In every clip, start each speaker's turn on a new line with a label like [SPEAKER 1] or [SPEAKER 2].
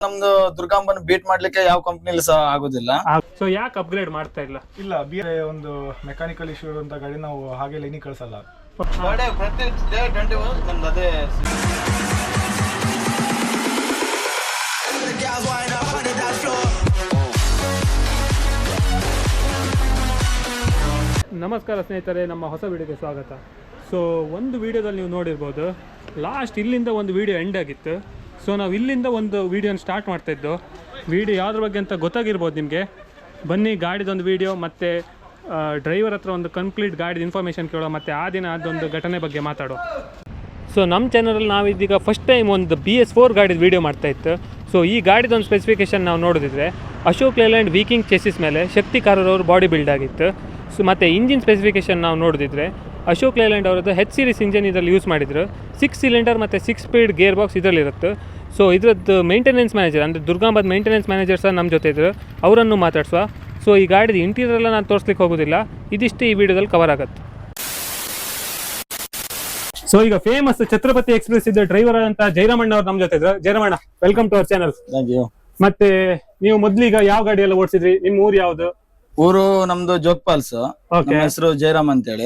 [SPEAKER 1] ನಮ್ದು ದುರ್ಗಾಂಬನ್ ಬೀಟ್ ಮಾಡ್ಲಿಕ್ಕೆ ಯಾವ ಕಂಪ್ನಿಲಿ ಸಹ ಆಗೋದಿಲ್ಲ.
[SPEAKER 2] ಸೊ ಯಾಕೆ ಅಪ್ಗ್ರೇಡ್ ಮಾಡ್ತಾ ಇಲ್ಲ?
[SPEAKER 3] ಇಲ್ಲ, ಒಂದು ಮೆಕ್ಯಾನಿಕಲ್ ಇಶ್ಯೂ ಇರುವಂತ ಗಾಡಿ ನಾವು ಹಾಗೆ ಲೈನಿಗೆ ಕಳ್ಸಲ್ಲ.
[SPEAKER 2] ನಮಸ್ಕಾರ ಸ್ನೇಹಿತರೆ, ನಮ್ಮ ಹೊಸ ವಿಡಿಯೋಗೆ ಸ್ವಾಗತ. ಸೊ ಒಂದು ವಿಡಿಯೋದಲ್ಲಿ ನೀವು ನೋಡಿರ್ಬೋದು, ಲಾಸ್ಟ್ ಇಲ್ಲಿಂದ ಒಂದು ವಿಡಿಯೋ ಎಂಡ್ ಆಗಿತ್ತು. ಸೊ ನಾವು ಇಲ್ಲಿಂದ ಒಂದು ವಿಡಿಯೋನ ಸ್ಟಾರ್ಟ್ ಮಾಡ್ತಾಯಿದ್ದು. ವಿಡಿಯೋ ಯಾವುದ್ರ ಬಗ್ಗೆ ಅಂತ ಗೊತ್ತಾಗಿರ್ಬೋದು ನಿಮಗೆ. ಬನ್ನಿ, ಗಾಡಿದೊಂದು ವಿಡಿಯೋ ಮತ್ತು ಡ್ರೈವರ್ ಹತ್ರ ಒಂದು ಕಂಪ್ಲೀಟ್ ಗಾಡಿದ ಇನ್ಫಾರ್ಮೇಷನ್ ಕೇಳೋ, ಮತ್ತು ಆ ದಿನ ಅದೊಂದು ಘಟನೆ ಬಗ್ಗೆ ಮಾತಾಡೋ. ಸೊ ನಮ್ಮ ಚಾನಲಲ್ಲಿ ನಾವಿದೀಗ ಫಸ್ಟ್ ಟೈಮ್ ಒಂದು BS4 ಗಾಡಿದ ವೀಡಿಯೋ ಮಾಡ್ತಾಯಿತ್ತು. ಸೊ ಈ ಗಾಡಿದೊಂದು ಸ್ಪೆಸಿಫಿಕೇಷನ್ ನಾವು ನೋಡಿದ್ರೆ ಅಶೋಕ್ ಲೇಲ್ಯಾಂಡ್ ವೀಕಿಂಗ್ ಚೆಸಿಸ್ ಮೇಲೆ ಶಕ್ತಿ ಕಾರರವರು ಬಾಡಿ ಬಿಲ್ಡ್ ಆಗಿತ್ತು. ಸೊ ಮತ್ತು ಇಂಜಿನ್ ಸ್ಪೆಸಿಫಿಕೇಷನ್ ನಾವು ನೋಡಿದ್ರೆ ಅಶೋಕ್ ಲೇಲ್ಯಾಂಡ್ ಅವರದ್ದು H series ಇಂಜಿನ್ ಇದರಲ್ಲಿ ಯೂಸ್ ಮಾಡಿದ್ರು. 6 ಸಿಲಿಂಡರ್ ಮತ್ತು 6 ಸ್ಪೀಡ್ ಗೇರ್ ಬಾಕ್ಸ್ ಇದರಲ್ಲಿರುತ್ತೆ. ಸೊ ಇದರದ್ದು ಮೇಂಟೆನೆನ್ಸ್ ಮ್ಯಾನೇಜರ್ ಅಂದರೆ ದುರ್ಗಾಂಬದ ಮೇಂಟೆನೆನ್ಸ್ ಮ್ಯಾನೇಜರ್ ಸಹ ನಮ್ಮ ಜೊತೆ ಇದ್ದರು, ಅವರನ್ನು ಮಾತಾಡ್ಸುವ. ಸೊ ಈ ಗಾಡಿದ ಇಂಟೀರಿಯರ್ ಎಲ್ಲ ನಾನು ತೋರಿಸ್ಲಿಕ್ಕೆ ಹೋಗೋದಿಲ್ಲ, ಇದಿಷ್ಟು ಈ ವಿಡಿಯೋದಲ್ಲಿ ಕವರ್ ಆಗುತ್ತೆ. ಸೊ ಈಗ ಫೇಮಸ್ ಛತ್ರಪತಿ ಎಕ್ಸ್ಪ್ರೆಸ್ ಇದ್ದ ಡ್ರೈವರ್ ಅಂತ ಜಯರಾಮಣ್ಣ ಅವ್ರು ನಮ್ಮ ಜೊತೆ ಇದ್ರು. Jayaramanna, welcome to our channel. ಮತ್ತೆ ನೀವು ಮೊದ್ಲೀಗ ಯಾವ ಗಾಡಿ ಎಲ್ಲ ಓಡಿಸಿದ್ರಿ? ನಿಮ್ಮ ಊರು ಯಾವ್ದು?
[SPEAKER 1] ಊರು ನಮ್ದು ಜೋಗ್ಪಾಲ್ಸ್. ನಮ್ಮ ಹೆಸರು ಜಯರಾಮ್ ಅಂತೇಳಿ.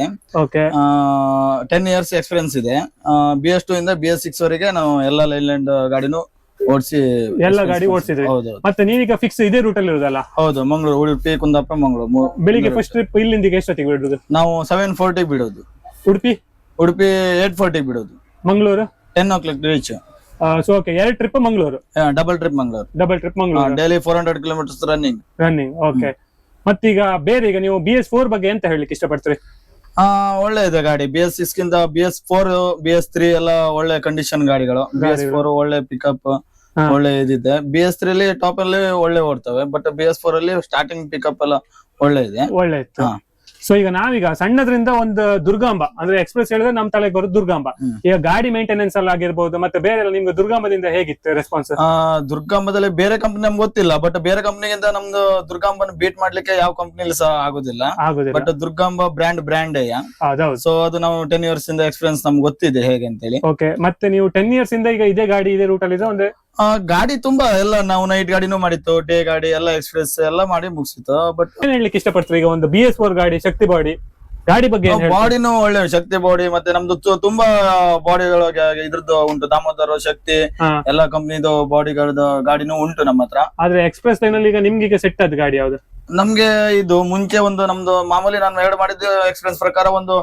[SPEAKER 1] 10 years ಎಕ್ಸ್ಪೀರಿಯನ್ಸ್ ಇದೆ. BS2 ಇಂದ BS6 ವರೆಗೆ ನಾವು ಎಲ್ಲ ಲೈಲ್ಯಾಂಡ್ ಗಾಡಿನೂ ಓಡಿಸಿ
[SPEAKER 2] ಎಲ್ಲ ಗಾಡಿ ಓಡಿಸಿದ್ರಿ. ಮತ್ತೆ ನೀವೀಗ ಫಿಕ್ಸ್ ಇದೇ ರೂಟ್ ಅಲ್ಲಿ ಇರೋದಲ್ಲ?
[SPEAKER 1] ಹೌದು, ಮಂಗಳೂರು, ಉಡುಪಿ, ಕುಂದಾಪುರ, ಮಂಗಳೂರು.
[SPEAKER 2] ಬೆಳಿಗ್ಗೆ ಫಸ್ಟ್ ಟ್ರಿಪ್ ಇಲ್ಲಿಂದ ಎಷ್ಟೊತ್ತಿಗೆ ಬಿಡೋದು?
[SPEAKER 1] ನಾವು 7:40 ಬಿಡೋದು.
[SPEAKER 2] ಉಡುಪಿ
[SPEAKER 1] 8:40 ಬಿಡೋದು.
[SPEAKER 2] Mangaluru
[SPEAKER 1] 10 o'clock reach.
[SPEAKER 2] So okay, 2 trip Mangaluru.
[SPEAKER 1] Double trip Mangaluru. Daily 400 kilometers running.
[SPEAKER 2] Okay. ಮತ್ತೀಗ ಬೇರೆ, ಈಗ ನೀವು BS4 ಬಗ್ಗೆ ಎಂತ ಹೇಳಲಿಕ್ಕೆ ಇಷ್ಟಪಡ್ತೀರಿ?
[SPEAKER 1] ಒಳ್ಳೆ ಇದೆ ಗಾಡಿ. BS6 ಗಿಂತ BS4, BS3 ಎಲ್ಲ ಒಳ್ಳೆ ಕಂಡೀಷನ್ ಗಾಡಿಗಳು. BS4 ಒಳ್ಳೆ ಪಿಕಪ್, ಒಳ್ಳೆ ಇದಿದೆ. BS3 ಅಲ್ಲಿ ಟಾಪ್ ಅಲ್ಲಿ ಒಳ್ಳೆ ಓಡ್ತವೆ, ಬಟ್ BS4 ಅಲ್ಲಿ ಸ್ಟಾರ್ಟಿಂಗ್ ಪಿಕಪ್ ಎಲ್ಲ ಒಳ್ಳೆ ಇದೆ.
[SPEAKER 2] ಒಳ್ಳೆ ಇತ್ತು. ಸೊ ಈಗ ನಾವೀಗ ಸಣ್ಣದ್ರಿಂದ ಒಂದು ದುರ್ಗಾಂಬ ಅಂದ್ರೆ ಎಕ್ಸ್ಪ್ರೆಸ್ ಹೇಳಿದ್ರೆ ನಮ್ ತಲೆಗೆ ಬರೋದು ದುರ್ಗಾಂಬ. ಈಗ ಗಾಡಿ ಮೇಂಟೆನೆನ್ಸ್ ಅಲ್ಲಿ ಆಗಿರ್ಬೋದು, ಮತ್ತೆ ಬೇರೆ ಎಲ್ಲ ನಿಮ್ಗೆ ದುರ್ಗಾಂಬದಿಂದ ಹೇಗಿತ್ತು ರೆಸ್ಪಾನ್ಸ್?
[SPEAKER 1] ದುರ್ಗಾಂಬದಲ್ಲಿ ಬೇರೆ ಕಂಪ್ನಿ ನಮ್ಗೆ ಗೊತ್ತಿಲ್ಲ, ಬಟ್ ಬೇರೆ ಕಂಪ್ನಿಗಿಂತ ನಮ್ದು ದುರ್ಗಾಂಬನ ಬೀಟ್ ಮಾಡ್ಲಿಕ್ಕೆ ಯಾವ ಕಂಪ್ನಿಲಿ ಸಹ ಆಗೋದಿಲ್ಲ. But Durgamba brand. ಸೊ ಅದು ನಾವು 10 years ಇಂದ ಎಕ್ಸ್ಪೀರಿಯನ್ಸ್ ನಮ್ಗೆ ಗೊತ್ತಿದೆ ಹೇಗೆ ಅಂತೇಳಿ.
[SPEAKER 2] ಓಕೆ. ಮತ್ತೆ ನೀವು 10 years ಇಂದ ಈಗ ಇದೇ ಗಾಡಿ ಇದೇ ರೂಟ್ ಅಲ್ಲಿ ಇದೆ? ಒಂದೇ
[SPEAKER 1] ಗಾಡಿ ತುಂಬಾ ಎಲ್ಲ ನಾವು ನೈಟ್ ಗಾಡಿನೂ ಮಾಡಿತ್ತು, ಡೇ ಗಾಡಿ ಎಲ್ಲ ಎಕ್ಸ್ಪ್ರೆಸ್ ಎಲ್ಲ ಮಾಡಿ ಮುಗಿಸಿತ್ತು. ಬಟ್
[SPEAKER 2] ಏನ್ ಹೇಳ್ಲಿಕ್ಕೆ ಇಷ್ಟಪಡ್ತೀವಿ? ಈಗ ಒಂದು BS4 ಗಾಡಿ, ಶಕ್ತಿ ಬಾಡಿ ಗಾಡಿ ಬಗ್ಗೆ
[SPEAKER 1] ಬಾಡಿನೂ ಒಳ್ಳೆ ಶಕ್ತಿ ಬಾಡಿ. ಮತ್ತೆ ನಮ್ದು ತುಂಬಾ ಬಾಡಿಗಳಿಗೆ ಇದ್ರದ್ದು ಉಂಟು, ದಾಮೋದರ, ಶಕ್ತಿ ಎಲ್ಲ ಕಂಪ್ನಿದು ಬಾಡಿಗಳದ್ದು ಗಾಡಿನೂ ಉಂಟು ನಮ್ಮ ಹತ್ರ.
[SPEAKER 2] ಆದ್ರೆ ಎಕ್ಸ್ಪ್ರೆಸ್ ಲೈನ್ ಅಲ್ಲಿ ಈಗ ನಿಮ್ಗೆ ಈಗ ಸೆಟ್ ಆದ ಗಾಡಿ ಯಾವ್ದು?
[SPEAKER 1] ನಮ್ಗೆ ಇದು ಮುಂಚೆ ಒಂದು ನಮ್ದು ಮಾಮೂಲಿ ನಾನು ಎರಡು ಮಾಡಿದ್ದು ಎಕ್ಸ್ಪೀರಿಯನ್ಸ್ ಪ್ರಕಾರ ಒಂದು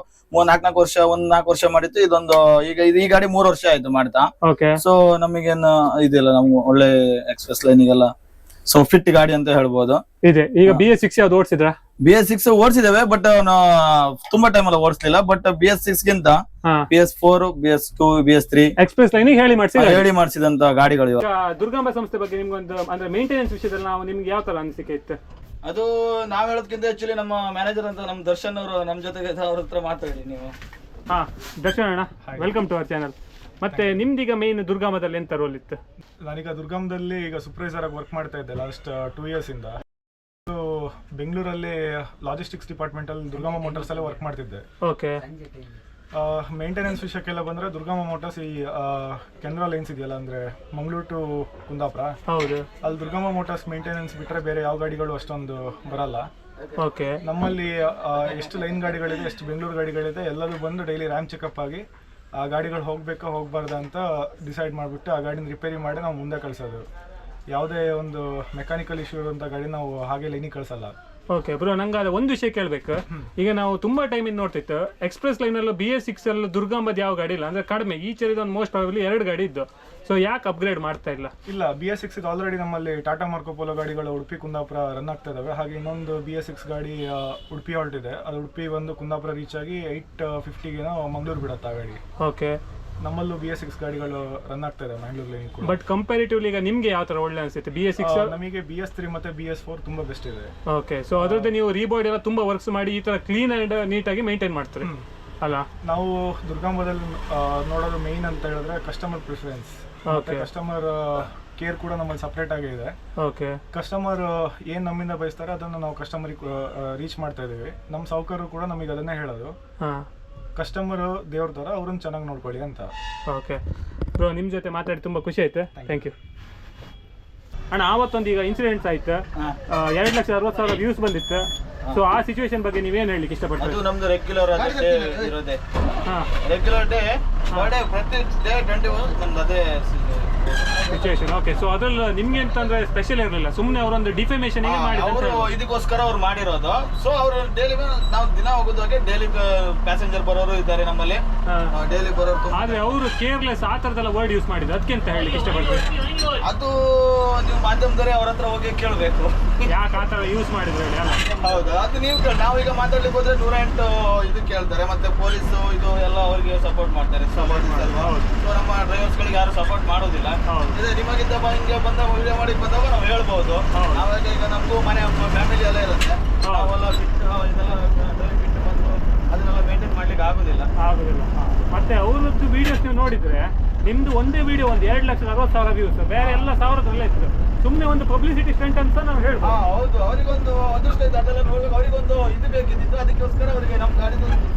[SPEAKER 1] 4 ವರ್ಷ ಮಾಡಿತ್ತು. ಇದೊಂದು ಈಗ ಈ ಗಾಡಿ 3 ವರ್ಷ ಆಯ್ತು ಮಾಡ್ತಾ. ಸೊ ನಮಗೇನು ಇದಿಲ್ಲ, ನಮ್ಗೆ ಒಳ್ಳೆ ಎಕ್ಸ್ಪ್ರೆಸ್ ಲೈನಿಗೆಲ್ಲ ಸೊ ಫಿಟ್ ಗಾಡಿ ಅಂತ ಹೇಳ್ಬೋದು.
[SPEAKER 2] ಇದೆ. ಈಗ BS6 ಯಾವ್ದು ಓಡಿಸಿದ್ರ?
[SPEAKER 1] BS6 ಓಡಿಸಿದ್ದೇವೆ, ಬಟ್ ತುಂಬಾ ಟೈಮ್ ಎಲ್ಲ ಓಡಿಸ್ಲಿಲ್ಲ. ಬಟ್ BS6 ಗಿಂತ BS4, BS2, BS3
[SPEAKER 2] express line ಹೇಳಿ
[SPEAKER 1] ಮಾಡಿಸಿದಂತ ಗಾಡಿಗಳು.
[SPEAKER 2] ದುರ್ಗಾಂಬ ಸಂಸ್ಥೆ ಬಗ್ಗೆ ನಿಮ್ಗೊಂದು ಅಂದ್ರೆ ಮೇಂಟೆನೆನ್ಸ್ ವಿಷಯದಲ್ಲಿ ನಾವು ನಿಮ್ಗೆ ಯಾವ ತರ ಅನಿಸಿಕೆ ಇತ್ತು?
[SPEAKER 1] ಅದು ನಾವ್ ಹೇಳೋದಕ್ಕಿಂತ ಆಕ್ಚುಲಿ ನಮ್ಮ ಮ್ಯಾನೇಜರ್ ಅಂತ ನಮ್ಮ ದರ್ಶನ್ ಅವರು ನಮ್ ಜೊತೆಗೆ ಅವ್ರ ಹತ್ರ ಮಾತಾಡಿ ನೀವು.
[SPEAKER 2] ದರ್ಶನ್ ಅಣ್ಣ, ವೆಲ್ಕಮ್ ಟು ಅವರ್ ಚಾನಲ್. ಮತ್ತೆ ನಿಮ್ದೀಗ ಮೇನ್ ದುರ್ಗಾಂಬದಲ್ಲಿ ಎಂತ ರೋಲ್ ಇತ್ತು?
[SPEAKER 3] ನಾನೀಗ ದುರ್ಗಾಂಬದಲ್ಲಿ ಈಗ ಸೂಪರ್ವೈಸರ್ ಆಗಿ ವರ್ಕ್ ಮಾಡ್ತಾ ಇದ್ದೆ ಲಾಸ್ಟ್ 2 years ಇಂದ. ಬೆಂಗಳೂರಲ್ಲಿ ಲಾಜಿಸ್ಟಿಕ್ಸ್ ಡಿಪಾರ್ಟ್ಮೆಂಟ್ ಅಲ್ಲಿ ದುರ್ಗಾಂಬ ಮೋಟರ್ಸ್ ಅಲ್ಲಿ ವರ್ಕ್ ಮಾಡ್ತಿದ್ದೆ.
[SPEAKER 2] ಓಕೆ.
[SPEAKER 3] ಮೇಂಟೆನೆನ್ಸ್ ವಿಷಯಕ್ಕೆಲ್ಲ ಬಂದ್ರೆ ದುರ್ಗಾಂಬ ಮೋಟರ್ಸ್ ಈ ಕೆನರಾ ಲೈನ್ಸ್ ಇದೆಯಲ್ಲ, ಅಂದ್ರೆ ಮಂಗಳೂರು ಟು ಕುಂದಾಪುರ,
[SPEAKER 2] ಹೌದು, ಅಲ್ಲಿ
[SPEAKER 3] ದುರ್ಗಾಂಬ ಮೋಟರ್ಸ್ ಮೇಂಟೆನೆನ್ಸ್ ಬಿಟ್ರೆ ಬೇರೆ ಯಾವ ಗಾಡಿಗಳು ಅಷ್ಟೊಂದು ಬರಲ್ಲ.
[SPEAKER 2] ಓಕೆ.
[SPEAKER 3] ನಮ್ಮಲ್ಲಿ ಎಷ್ಟು ಲೈನ್ ಗಾಡಿಗಳಿದೆ, ಎಷ್ಟು ಬೆಂಗಳೂರು ಗಾಡಿಗಳಿದೆ, ಎಲ್ಲರೂ ಬಂದು ಡೈಲಿ ರ್ಯಾಮ್ ಚೆಕಪ್ ಆಗಿ ಆ ಗಾಡಿಗಳು ಹೋಗ್ಬೇಕಾ ಹೋಗ್ಬಾರ್ದಾ ಅಂತ ಡಿಸೈಡ್ ಮಾಡಿಬಿಟ್ಟು ಆ ಗಾಡಿನ ರಿಪೇರಿ ಮಾಡಿ ನಾವು ಮುಂದೆ ಕಳಿಸೋದು. ಯಾವುದೇ ಒಂದು ಮೆಕ್ಯಾನಿಕಲ್ ಇಶ್ಯೂ ಇರುವಂಥ ಗಾಡಿ ನಾವು ಹಾಗೆ ಲೈನಿಗೆ ಕಳಿಸಲ್ಲ.
[SPEAKER 2] ಓಕೆ ಬ್ರೋ, ನಂಗೆ ಅದು ಒಂದು ವಿಷಯ ಕೇಳಬೇಕು. ಈಗ ನಾವು ತುಂಬಾ ಟೈಮ್ ಇಂದ ನೋಡ್ತಿತ್ತು ಎಕ್ಸ್ಪ್ರೆಸ್ ಲೈನ್ ಅಲ್ಲೂ BS6 ಅಲ್ಲೂ ದುರ್ಗಾಂಬದ ಯಾವ ಗಾಡಿ ಇಲ್ಲ, ಅಂದ್ರೆ ಕಡಿಮೆ. ಈ ಚರಿದ ಒಂದು ಮೋಸ್ಟ್ ಪ್ರಾಬಬ್ಲಿ 2 ಗಾಡಿ ಇದ್ದು. ಸೊ ಯಾಕೆ ಅಪ್ಗ್ರೇಡ್ ಮಾಡ್ತಾ ಇಲ್ಲ?
[SPEAKER 3] ಇಲ್ಲ, BS6 ಆಲ್ರೆಡಿ ನಮ್ಮಲ್ಲಿ ಟಾಟಾ ಮಾರ್ಕೋ ಪೋಲೋ ಗಾಡಿಗಳು ಉಡುಪಿ ಕುಂದಾಪುರ ರನ್ ಆಗ್ತಾ ಇದಾವೆ. ಹಾಗೆ ಇನ್ನೊಂದು BS6 ಗಾಡಿ ಉಡುಪಿ ಹೊರಟಿದೆ. ಅದು ಉಡುಪಿ ಬಂದು ಕುಂದಾಪುರ ರೀಚ್ ಆಗಿ 8:50 ಮಂಗಳೂರು ಬಿಡುತ್ತೆ ಆ ಗಾಡಿ.
[SPEAKER 2] ಓಕೆ.
[SPEAKER 3] ನಮ್ಮಲ್ಲೂ BS6 ಗಾಡಿಗಳು ರನ್ ಆಗ್ತಾ ಇದೆ ಮ್ಯಾಂಗ್ಳೂರ್ಲಿ ಕೂಡ.
[SPEAKER 2] ಬಟ್ ಕಂಪ್ಯಾರಿಟಿವ್ಲಿ ಈಗ ನಿಮ್ಗೆ ಯಾವ ತರ ಒಳ್ಳೆ ಅನ್ಸುತ್ತೆ? BS6
[SPEAKER 3] ನಮಗೆ BS3 ಮತ್ತೆ BS4 ತುಂಬಾ ಬೆಸ್ಟ್ ಇದೆ.
[SPEAKER 2] ಓಕೆ. ಸೊ ಅದ್ರದ್ದು ನೀವು ರೀಬಾಡಿ ಎಲ್ಲ ತುಂಬಾ ವರ್ಕ್ಸ್ ಮಾಡಿ ಈ ತರ ಕ್ಲೀನ್ ಅಂಡ್ ನೀಟಾಗಿ ಮೇಂಟೈನ್ ಮಾಡ್ತಾರೆ ಅಲ್ಲ? ನಾವು
[SPEAKER 3] ದುರ್ಗಾಂಬದಲ್ಲಿ ನೋಡೋದು ಮೇನ್ ಅಂತ ಹೇಳಿದ್ರೆ ಕಸ್ಟಮರ್ ಪ್ರಿಫರೆನ್ಸ್, ಕಸ್ಟಮರ್ ಕೇರ್ ಕೂಡ ನಮ್ಮಲ್ಲಿ ಸಪ್ರೇಟ್ ಆಗಿ ಇದೆ.
[SPEAKER 2] ಓಕೆ.
[SPEAKER 3] ಕಸ್ಟಮರ್ ಏನ್ ನಮ್ಮಿಂದ ಬಯಸ್ತಾರೆ ಅದನ್ನು ನಾವು ಕಸ್ಟಮರಿಗೆ ರೀಚ್ ಮಾಡ್ತಾ ಇದೀವಿ. ನಮ್ಮ ಸಾಹುಕಾರರು ಕೂಡ ನಮಗೆ ಅದನ್ನೇ ಹೇಳೋದು, ಕಸ್ಟಮರ್ ದೇವ್ರ ತರ ಅವ್ರನ್ನ ಚೆನ್ನಾಗಿ ನೋಡ್ಕೊಳ್ಳಿ ಅಂತ.
[SPEAKER 2] ಓಕೆ ಬ್ರೋ, ನಿಮ್ಮ ಜೊತೆ ಮಾತಾಡಿ ತುಂಬಾ ಖುಷಿ ಆಯ್ತು. Thank you. ಅಣ್ಣ ಆವತ್ತೊಂದು ಈಗ ಇನ್ಸಿಡೆಂಟ್ಸ್ ಆಯ್ತು, 2,60,000 ವ್ಯೂಸ್ ಬಂದಿತ್ತು. ಸೊ ಆ ಸಿಚುವೇಶನ್ ಬಗ್ಗೆ ನೀವೇನು ಹೇಳಲಿಕ್ಕೆ ಇಷ್ಟಪಡ್ತೀರಿ?
[SPEAKER 1] ಅದು ನಮ್ದು ರೆಗ್ಯುಲರ್ ಇರೋದೇ,
[SPEAKER 2] ಹಾಂ
[SPEAKER 1] ರೆಗ್ಯುಲರ್ ಡೇ ಬರ್ಡೇ ಪ್ರತಿ ಡೇ 21 ನಮ್ದು ಅದೇ
[SPEAKER 2] ಸಿಚುವೇಶನ್. ಓಕೆ, ಸೊ ಅದ್ರಲ್ಲಿ ನಿಮ್ಗೆ ಅಂತಂದ್ರೆ ಸ್ಪೆಷಲ್ ಇರಲಿಲ್ಲ, ಸುಮ್ಮನೆ ಅವರೊಂದು ಡಿಫಮೇಷನ್
[SPEAKER 1] ಅವರು ಇದಕ್ಕೋಸ್ಕರ ಅವ್ರು ಮಾಡಿರೋದು. ಸೊ ಅವರು ಡೈಲಿ ನಾವು ದಿನ ಹೋಗೋದಾಗೆ ಡೈಲಿ ಪ್ಯಾಸೆಂಜರ್ ಬರೋರು ಇದ್ದಾರೆ ನಮ್ಮಲ್ಲಿ, ಡೈಲಿ ಬರೋರು.
[SPEAKER 2] ಆದ್ರೆ ಅವರು ಕೇರ್ಲೆಸ್ ಆ ಥರದೆಲ್ಲ ವರ್ಡ್ ಯೂಸ್ ಮಾಡಿದ್ರು, ಅದಕ್ಕೆ ಅಂತ ಹೇಳಲಿಕ್ಕೆ ಇಷ್ಟಪಡ್ತೀವಿ?
[SPEAKER 1] ಅದು ನೀವು ಮಾಧ್ಯಮದವರೇ ಅವ್ರ ಹತ್ರ ಹೋಗಿ ಕೇಳಬೇಕು
[SPEAKER 2] ಯಾಕೆ ಆ ಥರ ಯೂಸ್ ಮಾಡಿದ್ರು ಹೇಳಿ. ಅಲ್ಲ
[SPEAKER 1] ಹೌದು, ಅದು ನೀವು ನಾವೀಗ ಮಾತಾಡ್ಲಿಕ್ಕೆ ಹೋದ್ರೆ 108 ಇದು ಕೇಳ್ತಾರೆ, ಮತ್ತೆ ಪೊಲೀಸು ಇದು ಎಲ್ಲ ಅವ್ರಿಗೆ ಸಪೋರ್ಟ್ ಮಾಡ್ತಾರೆ. ಸೊ ನಮ್ಮ ಡ್ರೈವರ್ಸ್ ಗಳಿಗೆ ಯಾರು ಸಪೋರ್ಟ್ ಮಾಡೋದಿಲ್ಲ. ಇದೆ ನಿಮಗಿಂತ ಹಿಂಗೆ ಬಂದಾಗ ವಿಡಿಯೋ ಮಾಡಿ ಬಂದಾಗ ನಾವು ಹೇಳ್ಬೋದು. ನಾವಾಗ ಈಗ ನಮಗೂ ಮನೆ ಫ್ಯಾಮಿಲಿ ಎಲ್ಲ ಇರುತ್ತೆ, ನಾವೆಲ್ಲ ಬಿಟ್ಟು ಇದೆಲ್ಲ ಬಿಟ್ಟು ಬಂದು ಅದನ್ನೆಲ್ಲ ಮೇಂಟೈನ್ ಮಾಡ್ಲಿಕ್ಕೆ ಆಗುದಿಲ್ಲ.
[SPEAKER 2] ಮತ್ತೆ ಅವ್ರದ್ದು ವಿಡಿಯೋಸ್ ನೀವು ನೋಡಿದ್ರೆ ನಿಮ್ದು ಒಂದೇ ವಿಡಿಯೋ ಒಂದು 2,60,000 ವ್ಯೂಸ್, ಬೇರೆ ಎಲ್ಲ ಸಾವಿರದಲ್ಲೇ ಇತ್ತು. ಸುಮ್ಮನೆ ಒಂದು ಪಬ್ಲಿಸಿಟಿ ಸ್ಟಂಟ್ ಅಂತ ನಾವು ಹೇಳ್ಬೋದು.
[SPEAKER 1] ಹೌದು, ಅವರಿಗೊಂದು ಅದೃಷ್ಟ ಇದೆ, ಅದೆಲ್ಲ ನೋಡ್ಬೇಕು. ಅವರಿಗೊಂದು ಇದು ಬೇಕಿದ್ದು, ಅದಕ್ಕೋಸ್ಕರ ಅವರಿಗೆ ನಮ್ಮ ಗಾಡಿದು